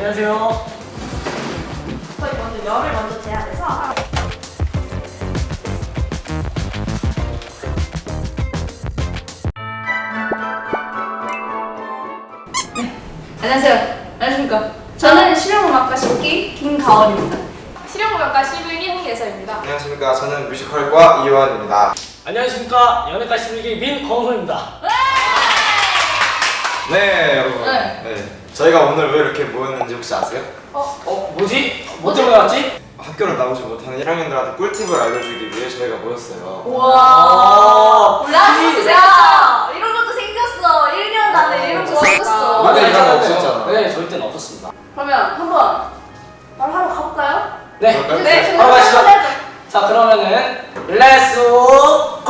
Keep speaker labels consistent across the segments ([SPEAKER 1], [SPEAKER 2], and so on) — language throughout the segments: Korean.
[SPEAKER 1] 안녕하세요.
[SPEAKER 2] 저희 먼저 열을 먼저 재야 돼서
[SPEAKER 3] 안녕하세요. 안녕하십니까. 저는 실용음악과 10기 김가원입니다.
[SPEAKER 4] 실용음악과 11기 홍예서입니다.
[SPEAKER 5] 안녕하십니까. 저는 뮤지컬과 이완입니다.
[SPEAKER 1] 안녕하십니까. 연예과 11기 민광호입니다.
[SPEAKER 5] 네, 여러분.
[SPEAKER 3] 네.
[SPEAKER 5] 네. 저희가 오늘 왜 이렇게 모였는지 혹시 아세요?
[SPEAKER 1] 뭐지? 뭐 때문에 왔지?
[SPEAKER 5] 학교를 나오지 못하는 1학년들한테 꿀팁을 알려주기 위해 저희가 모였어요.
[SPEAKER 3] 우와. 이런 것도 생겼어. 이런 것도 생겼어. 1년 안에 이런 거 생겼어.
[SPEAKER 5] 맞아, 이런 거 없었잖아.
[SPEAKER 1] 네, 저희 때는 없었습니다.
[SPEAKER 3] 그러면 한번 말하러 가볼까요?
[SPEAKER 1] 네.
[SPEAKER 5] 그럴까요?
[SPEAKER 3] 네.
[SPEAKER 1] 바로 가시죠.
[SPEAKER 3] 해야죠.
[SPEAKER 1] 자, 그러면은 렛츠 고!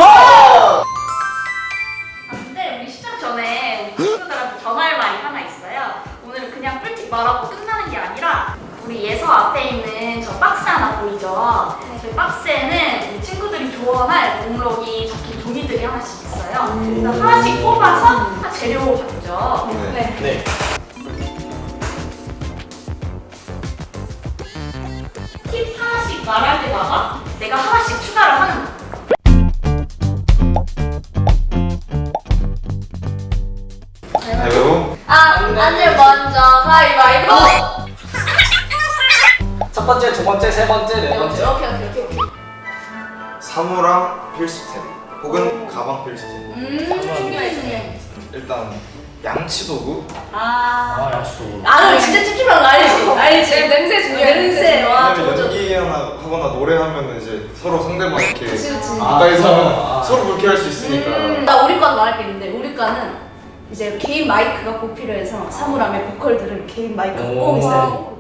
[SPEAKER 2] 근데 우리 시작 전에 우리 친구들한테 전할 말이 하나 있어요. 오늘은 그냥 꿀팁 말하고 끝나는 게 아니라 우리 예서 앞에 있는 저 박스 하나 보이죠? 저희 박스에는 우리 친구들이 조언할 목록이 적힌 종이들이 하나씩 있어요. 그래서 하나씩 뽑아서 재료 적죠.
[SPEAKER 5] 네.
[SPEAKER 1] 네.
[SPEAKER 2] 팁 하나씩 말할 때마다 내가 하나씩 추가를 하는 거야.
[SPEAKER 5] 가위바위보.
[SPEAKER 3] 안내 먼저 가위바위보.
[SPEAKER 1] 첫 번째, 두 번째, 세 번째, 네 번째.
[SPEAKER 3] 오케이.
[SPEAKER 5] 사무랑 필수템 혹은 가방 필수템.
[SPEAKER 3] 중요해.
[SPEAKER 5] 일단 양치도구.
[SPEAKER 1] 아, 약수.
[SPEAKER 3] 나는 진짜 찝찝한 거 알지?
[SPEAKER 4] 냄새 중요해.
[SPEAKER 3] 냄새. 와,
[SPEAKER 5] 왜냐면
[SPEAKER 3] 저.
[SPEAKER 5] 연기하거나 노래하면 이제 서로 상대방 이렇게
[SPEAKER 3] 그치.
[SPEAKER 5] 가까이서 하면
[SPEAKER 1] 아.
[SPEAKER 5] 서로 불쾌할 수 있으니까.
[SPEAKER 3] 나 우리 과는 말할 게 있는데 우리 과는 이제 개인 마이크가 꼭 필요해서 사물함에 보컬들은 개인 마이크가 꼭 있어요.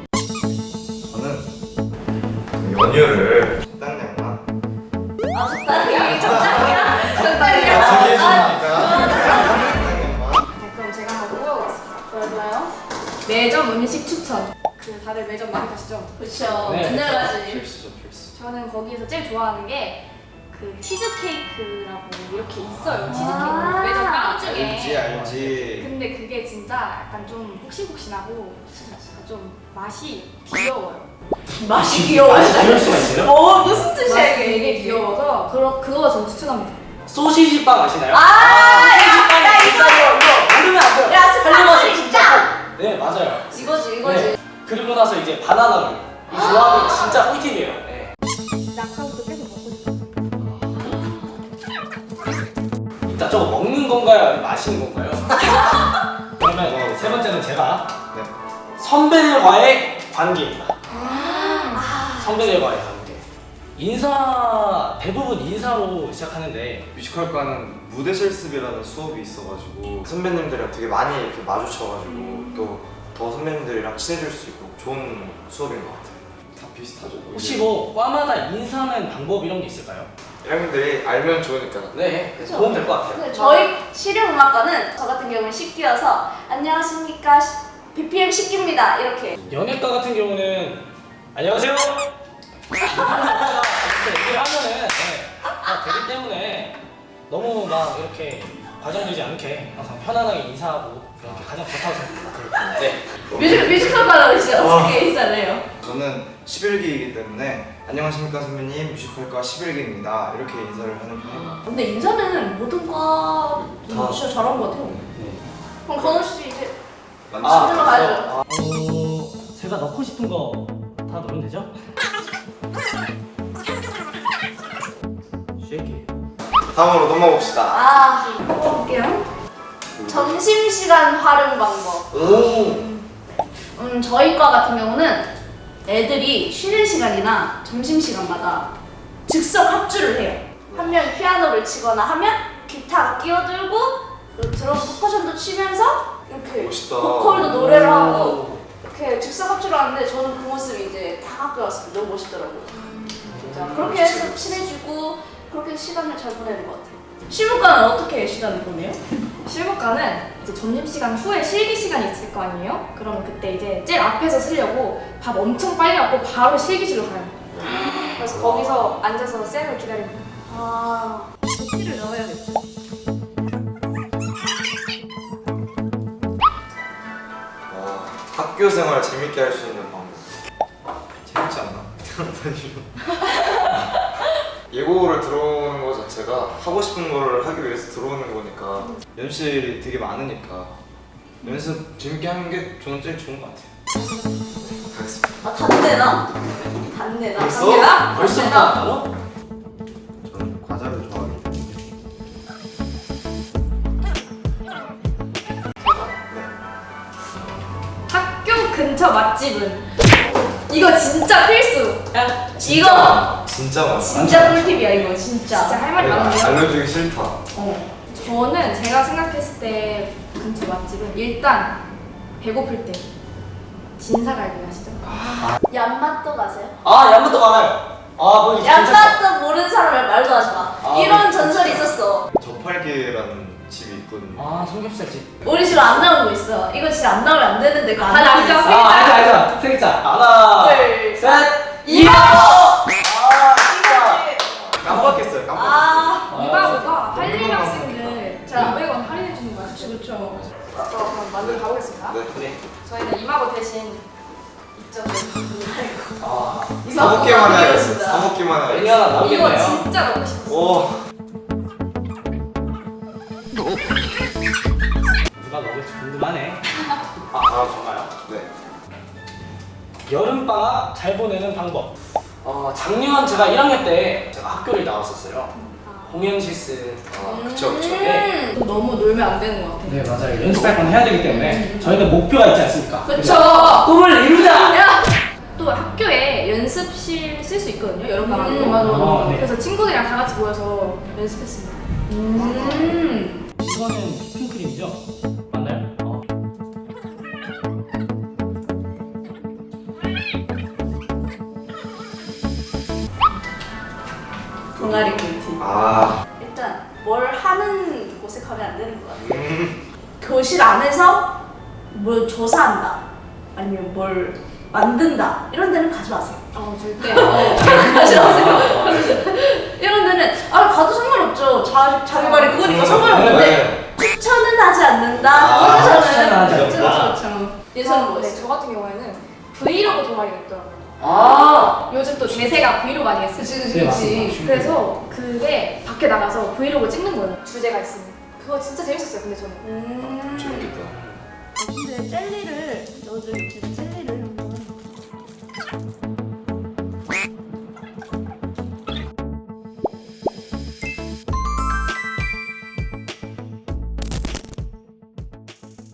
[SPEAKER 5] 저는 연유를 적당량만
[SPEAKER 3] 아 적당히 적당히야.
[SPEAKER 5] 챙겨주니까
[SPEAKER 4] 그럼 제가 한번 뽑아보겠습니다.
[SPEAKER 3] 좋아요.
[SPEAKER 4] 매점 음식 추천. 다들 매점 많이 가시죠?
[SPEAKER 3] 그렇죠.
[SPEAKER 1] 네.
[SPEAKER 3] 맨날 가지.
[SPEAKER 5] 필수죠, 필수.
[SPEAKER 4] 저는 거기에서 제일 좋아하는 게 그 치즈케이크라고 이렇게 있어요.
[SPEAKER 3] 아.
[SPEAKER 4] 치즈케이크. 매점 빵 중에.
[SPEAKER 5] 알지.
[SPEAKER 4] 근데 그게 진짜 약간 좀 폭신폭신하고 좀 맛이 귀여워요.
[SPEAKER 3] 맛이 귀여워.
[SPEAKER 1] 이럴 수가 있어요?
[SPEAKER 3] 무슨 뜻이야
[SPEAKER 4] 맛이
[SPEAKER 3] 이게?
[SPEAKER 4] 되게 귀여워서 그거 전 추천합니다.
[SPEAKER 1] 소시지 빵 아시나요?
[SPEAKER 3] 나 이거.
[SPEAKER 1] 모르면 안 돼요.
[SPEAKER 3] 야 스파클 진짜.
[SPEAKER 1] 네, 맞아요.
[SPEAKER 3] 이거지.
[SPEAKER 1] 네. 그리고 나서 이제 바나나를. 이 조합이 진짜 꿀팁이에요. 네.
[SPEAKER 4] 낙하부터 계속 먹고 싶어요.
[SPEAKER 1] 일단 저거 먹는 건가요? 아니면 마시는 건가요? 그러면 세 번째는 제가
[SPEAKER 5] 네.
[SPEAKER 1] 선배들과의 관계입니다. 선배들과의 관계. 인사, 대부분 인사로 시작하는데
[SPEAKER 5] 뮤지컬과는 무대 실습이라는 수업이 있어가지고 선배님들이랑 되게 많이 이렇게 마주쳐가지고 또 더 선배님들이랑 친해질 수 있고 좋은 수업인 것 같아요. 다 비슷하죠.
[SPEAKER 1] 혹시 뭐 과마다 인사하는 방법 이런 게 있을까요?
[SPEAKER 5] 1학년들이 알면 좋으니까.
[SPEAKER 1] 네, 도움 될 것 같아요.
[SPEAKER 3] 근데 저희 실용음악과는 저 같은 경우는 10기여서 안녕하십니까 BPM 10기입니다 이렇게.
[SPEAKER 1] 연예과 같은 경우는 안녕하세요. 이렇게 얘기를 하면은 다 되기 때문에 너무 막 이렇게 과장되지 않게 항상 편안하게 인사하고 그런 게 가장 좋다고 생각합니다. 네.
[SPEAKER 3] 뮤지컬과는 이제 어떻게 인사를 해요?
[SPEAKER 5] 저는 11기이기 때문에 안녕하십니까 선배님 뮤지컬과 11기입니다 이렇게 인사를 하는 편입니다.
[SPEAKER 3] 근데 인사는 모든 과
[SPEAKER 5] 다.
[SPEAKER 3] 진짜 잘한 것 같아요. 그럼 건우 씨 이제
[SPEAKER 5] 많이
[SPEAKER 3] 아,
[SPEAKER 5] 친해져서.
[SPEAKER 3] 가야죠.
[SPEAKER 1] 제가 넣고 싶은 거 다 넣으면 되죠? 쉐이키.
[SPEAKER 5] 다음으로 넘어봅시다.
[SPEAKER 3] 볼게요. 점심시간 활용 방법.
[SPEAKER 1] 오.
[SPEAKER 3] 저희 과 같은 경우는 애들이 쉬는 시간이나 점심시간마다 즉석 합주를 해요. 한 명이 피아노를 치거나 하면 기타 끼어들고 그리고 드럼 퍼커션도 치면서 이렇게
[SPEAKER 5] 멋있다.
[SPEAKER 3] 보컬도 노래를 하고 이렇게 즉석 합주를 하는데 저는 그 모습이 이제 다 학교 왔을 때 너무 멋있더라고요. 진짜 그렇게 해서 친해지고 그렇게 시간을 잘 보내는 것 같아요. 실무과는 어떻게 시간을 보내요?
[SPEAKER 4] 실무과는 이제 점심시간 후에 실기 시간이 있을 거 아니에요? 그러면 그때 이제 제일 앞에서 쓰려고 밥 엄청 빨리 먹고 바로 실기실로 가요. 그래서 거기서 앉아서 쌤을 기다립니다.
[SPEAKER 3] 조끼를 넣어야겠죠.
[SPEAKER 5] 학교 학교 생활 재밌게 할 수 있는 방법. 재밌지 않나? 예고를 들어오는 것 자체가 하고 싶은 걸 하기 위해서 들어오는 거니까 연습이 되게 많으니까 연습 재밌게 하는 게 저는 제일 좋은 것 같아요. 가겠습니다.
[SPEAKER 3] 아 단내나? 단내나?
[SPEAKER 5] 벌써?
[SPEAKER 3] 단내나?
[SPEAKER 1] 벌써부터
[SPEAKER 3] 단내나?
[SPEAKER 1] 한다고?
[SPEAKER 5] 저는 과자를 좋아하기 때문에.
[SPEAKER 4] 학교 근처 맛집은 이거 진짜 필수.
[SPEAKER 3] 야 이거
[SPEAKER 5] 진짜 많아.
[SPEAKER 3] 진짜 꿀팁이야 이거 진짜.
[SPEAKER 4] 진짜 할 말이 많은데요.
[SPEAKER 5] 알려주기 싫다.
[SPEAKER 4] 저는 제가 생각했을 때 근처 맛집은 일단 배고플 때 진사갈비 아시죠?
[SPEAKER 3] 얀맛도 가세요?
[SPEAKER 1] 아 얀맛도 많아요. 아 거기 괜찮다.
[SPEAKER 3] 얀맛도 모르는 사람을 말도 하지 마.
[SPEAKER 1] 아,
[SPEAKER 3] 이런 전설이 있었어.
[SPEAKER 5] 저팔계라는 집이 있거든요.
[SPEAKER 1] 아 삼겹살집.
[SPEAKER 3] 우리 지금 안 나오는 거 있어. 이거 진짜 안 나오면 안 되는데 그거 안
[SPEAKER 4] 다
[SPEAKER 3] 나오고
[SPEAKER 4] 나오죠?
[SPEAKER 3] 있어.
[SPEAKER 1] 아 알자 세 글자. 하나
[SPEAKER 3] 둘,
[SPEAKER 1] 셋.
[SPEAKER 3] 이마고!
[SPEAKER 1] 아 진짜.
[SPEAKER 5] 깜빡했어요. 깜빡했어요.
[SPEAKER 3] 아
[SPEAKER 4] 이마고가
[SPEAKER 5] 네.
[SPEAKER 4] 한림 학생들
[SPEAKER 3] 자.
[SPEAKER 4] 500원 할인해 주는 거 아시죠?
[SPEAKER 3] 그렇죠.
[SPEAKER 4] 그럼 만들어 가보겠습니다.
[SPEAKER 5] 네.
[SPEAKER 1] 그래.
[SPEAKER 4] 저희는 이마고 대신 입점을
[SPEAKER 1] 아
[SPEAKER 5] 사먹기만 해야겠어요. 사먹기만
[SPEAKER 1] 메뉴
[SPEAKER 5] 해야겠어요.
[SPEAKER 1] 하나
[SPEAKER 4] 이거
[SPEAKER 1] 나오겠네요.
[SPEAKER 4] 진짜 먹고 싶었어요.
[SPEAKER 5] 오.
[SPEAKER 1] 누가 먹을지 궁금하네.
[SPEAKER 5] 아 정말요? 네.
[SPEAKER 1] 여름방학 잘 보내는 방법. 작년 제가 1학년 때 제가 학교를 나왔었어요. 공연 실습.
[SPEAKER 5] 아 그쵸 그쵸.
[SPEAKER 1] 네.
[SPEAKER 3] 음.
[SPEAKER 4] 너무 놀면 안 되는 것 같아요.
[SPEAKER 1] 네 맞아요. 연습할 건 해야 되기 때문에 저희는 목표가 있지 않습니까?
[SPEAKER 3] 그쵸.
[SPEAKER 1] 꿈을 이루자.
[SPEAKER 3] 야!
[SPEAKER 4] 또 학교에 연습실 쓸 수 있거든요. 여름방학으로.
[SPEAKER 1] 맞아. 네.
[SPEAKER 4] 그래서 친구들이랑 다 같이 모여서 연습했습니다.
[SPEAKER 1] 이거는 휘핑크림이죠? 맞나요?
[SPEAKER 3] 동아리 꿀팁.
[SPEAKER 5] 아.
[SPEAKER 3] 일단 뭘 하는 곳에 가면 안 되는 것 같아.
[SPEAKER 5] 음.
[SPEAKER 3] 교실 안에서 뭘 조사한다. 아니면 뭘 만든다. 이런 데는 가지 마세요.
[SPEAKER 4] 절대.
[SPEAKER 3] 가지 마세요. 이런 데는 가도 상관없죠. 자기 말이 그거니까 상관없는데 추천은 하지 않는다.
[SPEAKER 5] 아,
[SPEAKER 1] 추천은 하지
[SPEAKER 3] 그렇죠,
[SPEAKER 1] 않는다.
[SPEAKER 3] 그렇죠. 예선 뭐
[SPEAKER 4] 네,
[SPEAKER 3] 있어?
[SPEAKER 4] 저 같은 경우에는 브이로그 동아리가 있더라고요.
[SPEAKER 1] 아.
[SPEAKER 4] 요즘 또 대세가 브이로그 아니겠어요?
[SPEAKER 3] 그치
[SPEAKER 1] 네, 맞습니다.
[SPEAKER 3] 그치.
[SPEAKER 4] 그래서 그게 밖에 나가서 브이로그 찍는 거예요. 주제가 있으면. 그거 진짜 재밌었어요. 근데 저는.
[SPEAKER 5] 재밌겠다.
[SPEAKER 3] 근데 젤리를 넣어줄 때 젤리를